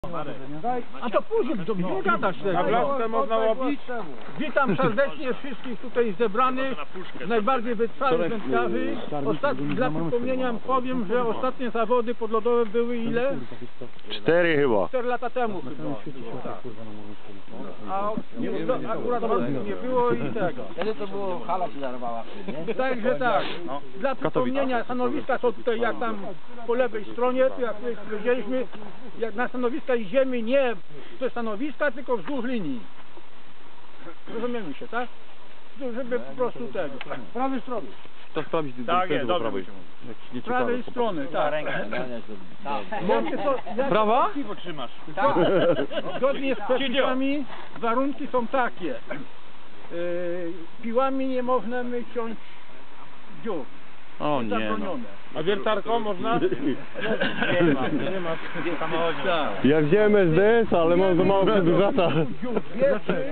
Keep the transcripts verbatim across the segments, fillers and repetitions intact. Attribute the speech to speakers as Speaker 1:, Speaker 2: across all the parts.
Speaker 1: A to później, to nie gadać tego.
Speaker 2: A blaszkę można łowić?
Speaker 1: Witam serdecznie wszystkich tutaj zebranych, najbardziej wytrwałych wędkarzy. Ostat... Dla przypomnienia powiem, że ostatnie zawody podlodowe były ile?
Speaker 3: Cztery chyba.
Speaker 1: Cztery lata temu chyba. Tak. A to akurat nie było i tego.
Speaker 4: Wtedy to było, hala się zarwała.
Speaker 1: Także tak, dla przypomnienia stanowiska są tutaj jak tam po lewej stronie, tu jak powiedzieliśmy, jak na stanowiska idziemy nie ze stanowiska, tylko wzdłuż linii. Rozumiemy się, tak? Żeby po prostu tego. Z prawej strony.
Speaker 2: To sprawdzić
Speaker 3: Tak,
Speaker 2: do
Speaker 3: jest,
Speaker 2: do
Speaker 3: dobrze.
Speaker 2: prawej.
Speaker 1: Z prawej strony, tak. Jakie są-
Speaker 2: Prawa?
Speaker 3: Piwo trzymasz.
Speaker 1: Tak. Zgodnie z przepisami warunki są takie. Yy, piłami nie można ciąć dziur.
Speaker 3: O nie.
Speaker 1: Zabronione.
Speaker 2: A wiertarką można?
Speaker 3: Nie ma, nie ma w samochodzie.
Speaker 1: Tak.
Speaker 3: Ja wziąłem S D S, ale mam za mało przedłużacza.
Speaker 1: Dziur dwie, trzy.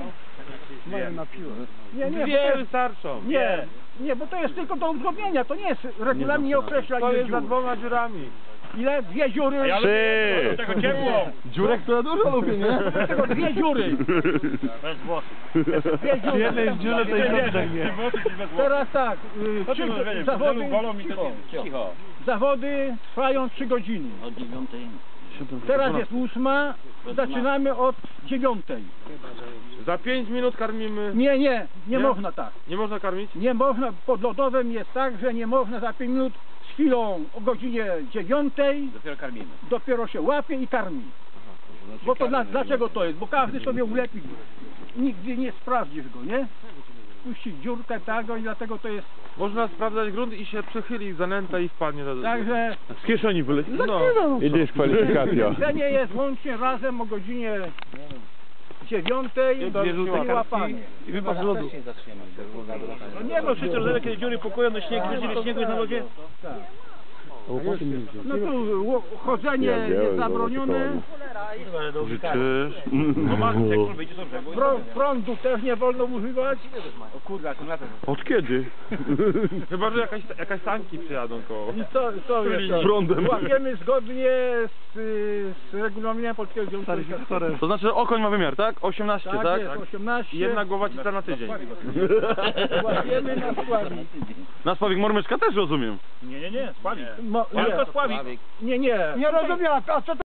Speaker 1: Nie, nie,
Speaker 2: Dwie
Speaker 1: bo to-
Speaker 2: wystarczą.
Speaker 1: nie, nie, bo to jest tylko do uzgodnienia, to nie jest regulamin, nie określa
Speaker 2: To
Speaker 1: ile
Speaker 2: jest za
Speaker 1: dziur.
Speaker 2: dwoma dziurami.
Speaker 1: Ile? Dwie dziury.
Speaker 3: Trzy.
Speaker 2: Tego ciepło.
Speaker 3: Dziurek to ja dużo lubię, nie?
Speaker 1: Tego dwie dziury.
Speaker 3: Bez włosów.
Speaker 1: Dwie dziury.
Speaker 3: jednej dziury to jest dobrze, nie?
Speaker 1: Teraz tak, y, trzy, zawody, cicho,
Speaker 4: Cicho.
Speaker 1: zawody trwają trzy godziny.
Speaker 4: Od dziewiątej.
Speaker 1: Teraz jest ósma, zaczynamy od dziewiątej.
Speaker 2: Za pięć minut karmimy.
Speaker 1: Nie, nie, nie,
Speaker 2: Nie?
Speaker 1: można tak.
Speaker 2: Nie można karmić?
Speaker 1: Nie można, pod lodowym jest tak, że nie można za pięć minut z chwilą o godzinie dziewiątej
Speaker 4: Dopiero karmimy.
Speaker 1: dopiero się łapie i karmi. Bo to dla, dlaczego to jest? Bo każdy sobie ulepi. Nigdy nie sprawdzisz go, nie? Puści dziurkę tego i dlatego to jest.
Speaker 2: Można sprawdzać grunt i się przechyli zanęta i wpadnie do...
Speaker 1: Także
Speaker 3: Z kieszeni wyleci.
Speaker 2: No.
Speaker 3: I dyskwalifikacja.
Speaker 1: jedzenie jest łącznie razem o godzinie dziewiątej
Speaker 2: Dwie żółte
Speaker 1: i
Speaker 2: kartki.
Speaker 1: łapanie.
Speaker 2: I wypas z lodu.
Speaker 1: No nie, bo wszyscy rozumieją, kiedy dziury pokoją do śniegu, kiedy śniegu jest na lodzie. Tak. No tu ło- chodzenie jest zabronione,
Speaker 3: Życzysz?
Speaker 1: Prą- prądu też nie wolno używać.
Speaker 4: O kurde, akumulator.
Speaker 3: Od kiedy?
Speaker 2: Chyba, że jakaś, jakaś sanki przyjadą koło.
Speaker 1: I co, co jest to?
Speaker 3: Prądem.
Speaker 1: Łapiemy zgodnie z, y, z regulaminem Polskiego Związku Łowieckiego.
Speaker 3: To znaczy okoń ma wymiar, tak? osiemnaście,
Speaker 1: Tak,
Speaker 3: tak?
Speaker 1: jest osiemnaście.
Speaker 2: I jedna głowacica na tydzień.
Speaker 1: Łapiemy na spławik.
Speaker 3: Na spławik mormyczka też rozumiem.
Speaker 1: Mo, nie,
Speaker 4: Sławik.
Speaker 1: nie, nie. Nie rozumiem, a co to